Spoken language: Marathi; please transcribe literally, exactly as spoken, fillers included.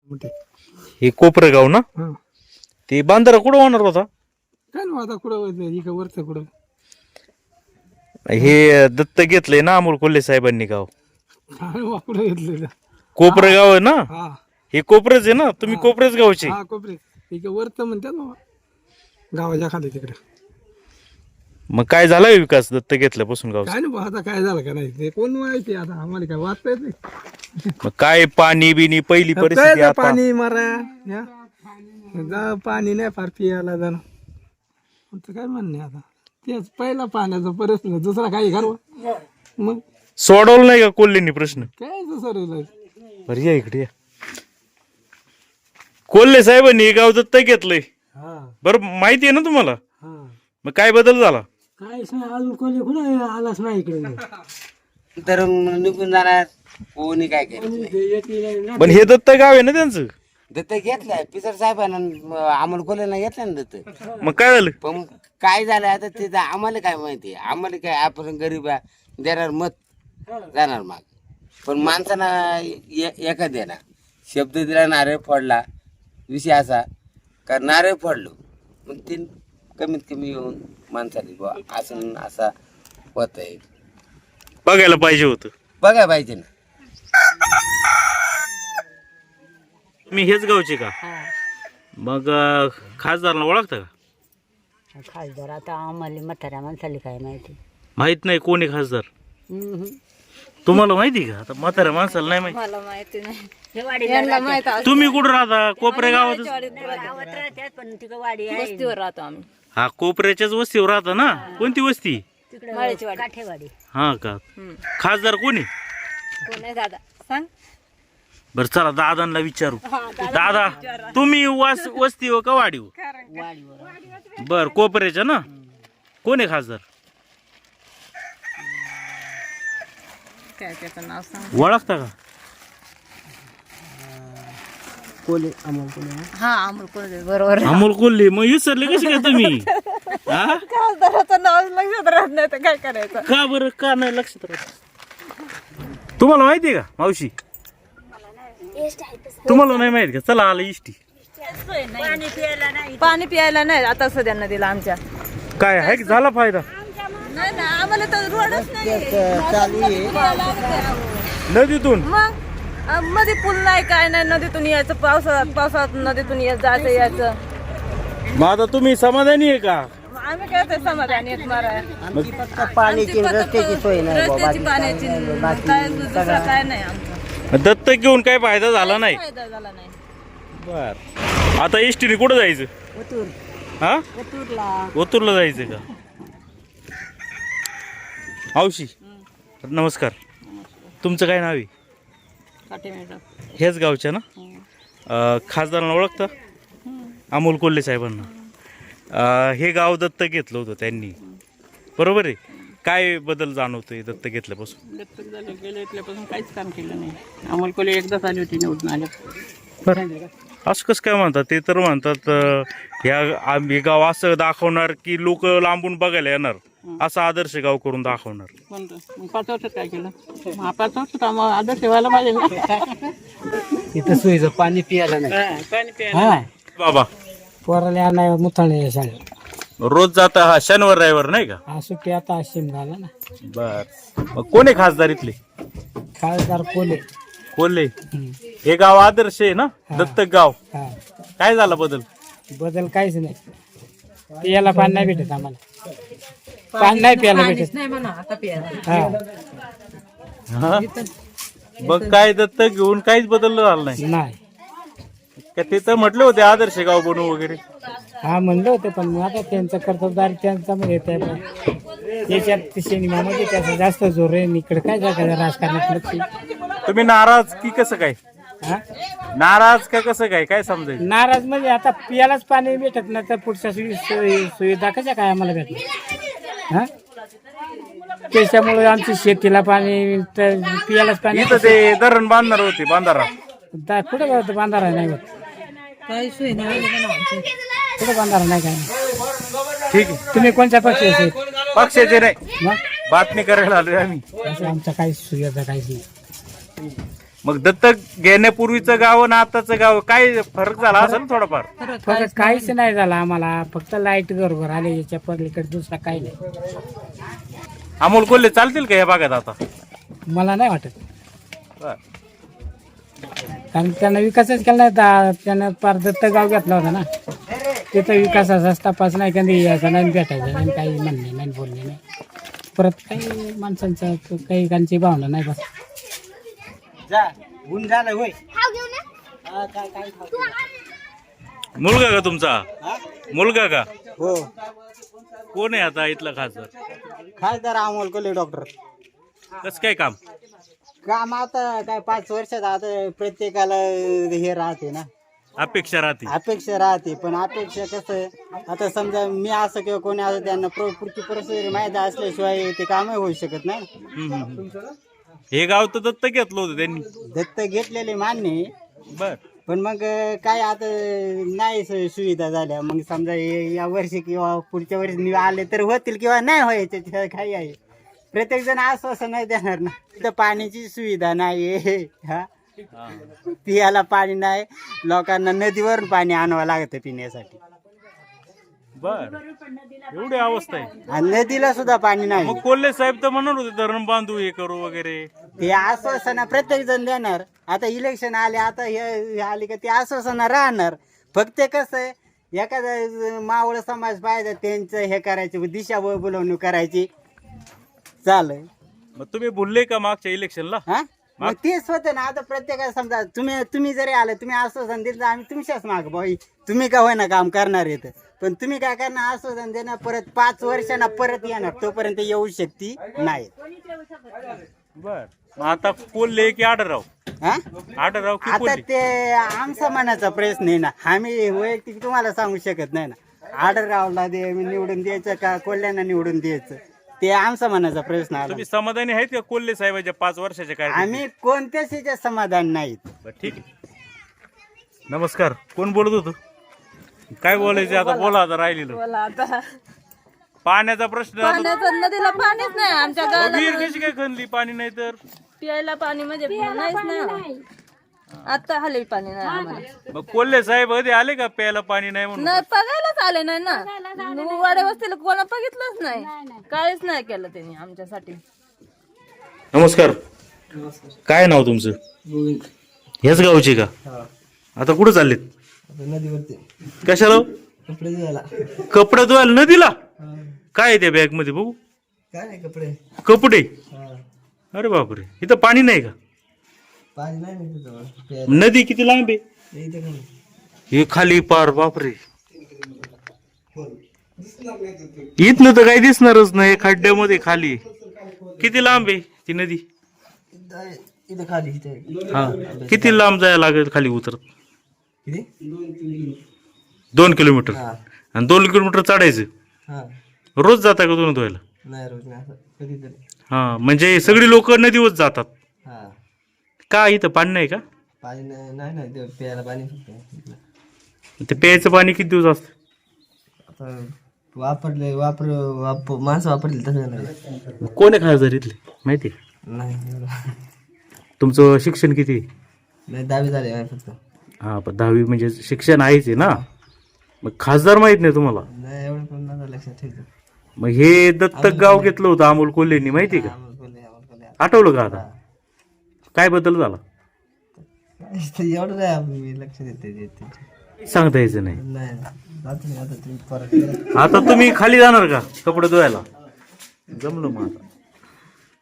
मोठे हे कोपरेगाव ना? हा ते बांधारा कुठं होणार होता? काय ना आता कुठं व्हायचं इकडं वरचं कुठं हे दत्त घेतलंय ना अमोल कोल्हे साहेबांनी गाव. काय वा कुठं घेतलेलं कोपरेगाव आहे ना? हा हे कोपरेच आहे ना? तुम्ही कोपरेच गावचे? हा कोपरे इकडं वरचं म्हणतात ना गावाच्या खाली तिकडे. मग काय झाला विकास दत्त घेतल्यापासून गाव? काय नाही बा आता काय झालं का नाही ते कोण माहिती आता आम्हाला काय वाचता येत नाही. मग काय पाणी बिनी पहिली काय परिस्थिती जा आता? पाणी मारा या जा पाणी नाही फार पियाला जाणं आमचं काय म्हणणे आता तेच पहिला पाण्याचा प्रश्न दुसरा काही घरवा मग सोडवलं नाही का कोल्हेंनी प्रश्न? काय दुसरं बरं या इकडे या. कोल्हे साहेबांनी हे गाव दत्त घेतलंय, हा बरं माहिती आहे ना तुम्हाला? हा मग काय बदल झाला? काहीच नाही अजून कोणी कुठं आलाच नाही इकडे तर निघून जाणार कोणी काय केलं. पण हे दत्त गाव आहे ना त्यांचं? दत्त घेतलाय पिसर साहेबांना अमोल कोल्हेला घेतलं ना दत्त. मग काय झालं? पण काय झालं आता ते तर आम्हाला काय माहिती, आम्हाला काय आपण गरीब आहे, देणार मत जाणार माग. पण माणसाना ए- एका देणार शब्द दिला नारळ फोडला विषय असा का नारळ फोडलो मग ते कमीत कमी येऊन माणसाने बुवा असं असा होत आहे बघायला पाहिजे होतं. बघाय पाहिजे ना. मी हेच गावचे का? मग अं, खासदारांना ओळखता का? खासदार आता आम्हाला म्हाताऱ्या माणसाला काय माहिती. माहित नाही कोण आहे खासदार? हम्म. तुम्हाला माहिती का? आता म्हाताऱ्या माणसाला नाही माहिती. मला माहिती नाही. हे वाडी यांना माहित असतं. तुम्ही कुठं राहता? कोपरे गावात? गावात राहतात पण तिकडं वाडी आहे वस्तीवर राहतो आम्ही. हा कोपऱ्याच्याच वस्तीवर राहता ना? कोणती वस्ती? तिकडं माळ्याची वाडी. काठेवाडी. हा का? हम्म. खासदार कोणी? कोण आहे दादा सांग. बर चला दादांना विचारू. दादा तुम्ही वस वस्ती हो का वाडी हो? बर कोपऱ्याच्या ना? कोण आहे खासदार? काय त्याचं नाव सांग. ओळखता का? कोले अमोल कोले हा अमोल कोल्हे बरोबर. अमोल कोल्हे. मग विसरले कसे काय तुम्ही? हा? खासदाराचं नाव लक्षात राहत नाही तर काय करायचं. का बरं का नाही लक्षात राहत? तुम्हाला माहिती आहे का मावशी? तुम्हाला नाही माहित का? चला आलं इष्टी. पाणी प्यायला नाही. पाणी प्यायला नाही आता सध्या नदीला आमच्या. काय आहे की झाला फायदा? नाही ना आम्हाला तर रोडच नाही. नदीतून मग अं, मध्ये पूल नाही काय नाही, नदीतून यायचं पावसाळ्यात पावसाळ्यात नदीतून यायचं जायचं यायचं. मग आता तुम्ही समाधानी आहे का? आम्ही काय ते समाधानी आहेत मारा. पाण्याची रस्त्याची सोय नाही बाबा. रस्त्याची पाण्याची काय दुसरं काय नाही आमचं. मग दत्तक घेऊन काय फायदा झाला नाही? फायदा झाला नाही. बर आता एसटीने कुठं जायचं? हा ओतूरला जायचं का? औशी नमस्कार. तुमचं काय नाव आहे? काटे मॅडम. हेच गावच्या ना? अं, खासदारांना ओळखता? अमोल कोल्हे साहेबांना. अं, हे गाव दत्तक घेतलं होतं त्यांनी, बरोबर आहे? काय बदल जाणवतोय दत्तक घेतल्यापासून? दत्तक झालं गेलं इथल्यापासून काहीच काम केलं नाही. अमोल कोल्हे एकदाच आली होती निवडून आल्या. बरं असं कसं काय म्हणतात? ते तर म्हणतात अं, ह्या आम- हे गाव असं दाखवणार की लोक लांबून बघायला येणार, असा आदर्श गाव करून दाखवणार. कोणतं मग पाच वर्षात काय केलं? मग पाच वर्षात आम्हाला आदर्श व्हायला पाहिजे ना. इथं सोयीचं पाणी पियाला नाही हा, पाणी प्यायला. हा बाबा पोराला नाही मुथाणे शाळेत रोज जाता हा शनिवार रविवार नाही का? हा सुट्टी आता शिम झाला ना. बर मग कोण आहे खासदार इथले? खासदार कोले कोल्हे. हे गाव आदर्श आहे ना? दत्तक गाव. हा काय झाला बदल? बदल काहीच नाही. पियाला पाणी नाही भेटत आम्हाला. पाणी नाही प्यायला भेटत हा हा? मग काय दत्तक घेऊन काहीच बदल झाला नाही नाही. का? ते तर म्हटले होते आदर्श गाव बनवू वगैरे. हा म्हणलं होतं पण मग आता त्यांचं कर्तबदारी त्यांचा मध्ये त्याच्यात सिनेमामध्ये त्याचा जास्त जोर आहे. इकडे काय जागा राजकारणात लक्ष. तुम्ही नाराज की कसं काय? हा नाराज का कसं काय? काय समजायचं? नाराज म्हणजे आता पियालाच पाणी भेटत नाही तर पुढच्या सुवि- सोयी- सुविधा कशा काय आम्हाला भेटणार? हा त्याच्यामुळे आमची शेतीला पाणी तर पियालाच पाणी इथं ते धरण बांधणार होते बांधारा. दा- कुठं होतं बांधारा नाही होत. काही सोय नाही कुठं बांधारा नाही काय नाही. ठीक आहे. तुम्ही कोणत्या पक्षाचे आहेत? पक्षाचे नाही, मग बातमी करायला आलोय आम्ही. असं आमचं काही सुविधा काहीच नाही. मग दत्तक घेण्यापूर्वीचं गाव आणि आताचं गाव काय फरक झाला असेल ना थोडाफार? फक्त काहीच नाही झालं आम्हाला, फक्त लाईट घरोघर आले, याच्या पलीकडे दुसरा काही नाही. अमोल कोल्हे चालतील का या भागात आता? मला नाही वाटत, बर. कारण त्यांना विकासच केला नाही. दा- त्यानं पार दत्त गाव घेतला होता ना, तिथं विकासाचा तपास नाही, कधी यायचा नाही, भेटायचा नाही, काही म्हणणे नाही, बोलणे नाही. परत काही माणसांचं काही काहींची भावना नाही बस. मुलगा का तुमचा? मुलगा का? हो, कोण आहे आता इथला खासदार? खासदार अमोल कोल्हे डॉक्टर. कसं काय काम? काम आता काय पाच वर्षात आता प्रत्येकाला हे राहते ना, अपेक्षा राहते. अपेक्षा राहते. पण अपेक्षा कसं, आता समजा मी असं किंवा कोणी असं, त्यांना प्र- पुढची परिस्थिती माहिती असल्याशिवाय ते कामही होऊ शकत नाही. हम्म, हम्म. हे गाव तर दत्तक घेतलं होतं त्यांनी. दत्त घेतलेले मान्य आहे, बर. पण मग काय आता नाही सु- सुविधा झाल्या. मग समजा हे या वर्षी किंवा पुढच्या वर्षी आले तर होतील किंवा नाही व्हायचे, त्याच्यात काही आहे. प्रत्येक जण आश्वासन नाही देणार ना. तिथं पाण्याची सुविधा नाही आहे, हा, पियाला पाणी नाही, लोकांना नदीवरून पाणी आणावं लागतं पिण्यासाठी, बर. एवढी अवस्था आहे. आणि नदीला सुद्धा पाणी नाही. मग कोल्हे साहेब तर म्हणत होते धरण बांधू, हे करू वगैरे. ते आश्वासन प्रत्येक जण देणार. आता इलेक्शन आले, आता हे हे आले का ते आश्वासन राहणार. फक्त कसं आहे, एखादा मावळ समाज पाहिजे त्यांचं हे करायची, दिशा बोलवणूक करायची चालेल. मग तुम्ही बोलले का मागच्या इलेक्शनला? हा, मग तेच होतं ना. आता प्रत्येकाला समजा तुम्ही तुम्ही जरी आले, तुम्ही आश्वासन दिलं तर आम्ही तुमच्याच माग भाई, तुम्ही का होईना काम करणार येत, पण तुम्ही काय करणार, आश्वासन देणार, परत पाच वर्षांना परत येणार, तोपर्यंत येऊ शकती नाही. बर. मग आता कोल्हे की आडरराव? हा, आडरराव की आता कोल्हे? ते आमचा मनाचा प्रश्न आहे ना, आम्ही वैयक्तिक तुम्हाला सांगू शकत नाही ना. आर्डर रावला दे निवडून द्यायचं का कोल्ह्यांना निवडून द्यायचं, ते आमचा मनाचा प्रश्न आला. तुम्ही समाधानी आहेत का कोल्हे साहेबांच्या पाच वर्षाच्या काय? आम्ही कोणत्याच याच्या समाधान नाहीत. ठीक आहे. नमस्कार. कोण बोलत होतो? काय बोलायचं आता? बोला आता राहिलेलं. बोला आता. पाण्याचा प्रश्न आता- पाण्याचं नदीला पाणीच नाही आमच्या अहो, गावाला. विहीर कशी काय खणली? पाणी नाही तर प्यायला पाणी म्हणजे नाहीच ना. आता हले पाणी नाही आम्हाला. मग कोल्हे साहेब कधी आले का प्यायला पाणी नाही म्हणून? नाही, बघायलाच आले नाही ना. वाड्या वस्तीला कोणा बघितलंच नाही, काहीच नाही केलं त्यांनी आमच्यासाठी. नमस्कार. काय नाव तुमचं? ह्याच गावचे का? आता कुठं चाललेत? नदीवरती कशाला? कपडे धुवायला. कपडे धुवायला नदीला? काय आहे त्या बॅग मध्ये बघू? काय नाही कपडे. कपडे? अरे बापरे, इथं पाणी नाही का? पाणी नाही नदी किती लांब आहे? हे खाली पार, बापरे. इथनं तर काही दिसणारच नाही, खड्ड्यामध्ये खाली. किती लांब आहे ती नदी? इथे खाली इथे. हा, किती लांब जायला लागेल खाली उतरत? किती? दोन किलोमीटर. आणि दोन किलोमीटर चढायचं. हा, रोज जाता का दोन धुवायला? नाही रोज नाही, कधीतरी. हा, म्हणजे सगळी लोक नदीवर जातात हा, का? इथं पाणी नाही का? पाणी नाही नाही नाही ते प्यायला पाणी फक्त. ते प्यायचं पाणी किती दिवस असतं? आता वापरले वापर वाप माणसं वापरली तसं नाही. कोण आहे खासदार इथले माहिती आहे? नाही तुमचं शिक्षण किती आहे? नाही, दहावी झाली आहे फक्त. हा, पण दहावी म्हणजे शिक्षण आहेच आहे ना. मग खासदार माहित नाही तुम्हाला? नाही, एवढं पण नाही लक्षात ठेवतो. मग हे दत्तक गाव घेतलं होतं अमोल कोल्हेंनी, माहिती आहे का? अमोल कोल्हे, अमोल कोल्हे. आठवलं का आता? काय बदल झाला? एवढं नाही आपण मी लक्ष देते. सांगता यायचं नाही. नाही जातो मी आता तुम्ही परत. आता तुम्ही खाली जाणार का कपडे धुवायला? जमलं मग आता.